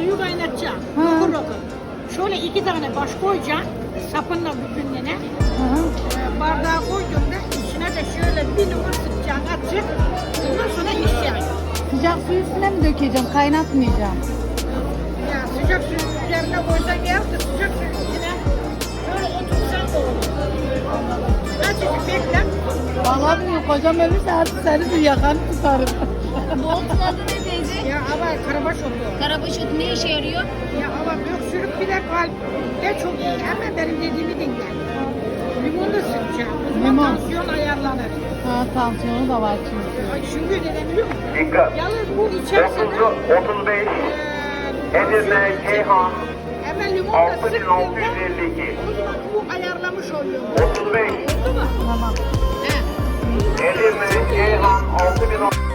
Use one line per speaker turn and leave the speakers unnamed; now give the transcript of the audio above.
suyu kaynatacaksın.
Ha.
Rokur rokur. Şöyle 2 tane baş koyacaksın. Sapınla bütünlüğüne. Bardağa koyduğunda içine de şöyle bir numara sıkacaksın, atacaksın. Ondan sonra içeceksin.
Sıcak suyu üstüne mi dökeceğim? Kaynatmayacağım.
Ya sıcak suyun üzerine koysan yahut da sıcak suyun içine böyle otursan da olur. Azıcık bekle.
Vallahi bilmiyorum, kocam ölürse artık seni de yakanı tutarım.
Bu otun adı ne teyze?
Ya ama karabaş oluyor.
Karabaş otu ne işe yarıyor?
Ya ama öksürük bir de kalpte çok iyi. Hemen benim dediğimi dinle. Limon da sıkacağım. O zaman
Limon.
tansiyon ayarlanır.
Ha, tansiyonu da var çünkü.
Ay çünkü neden biliyor musun?
Dikkat.
Yalnız bu içerisinde
35 Edirne Ceyhan
hemen limon da
6652
o zaman bu ayarlamış oluyor.
35
Oldu mu?
Tamam.
He.
Edirne Ceyhan 6000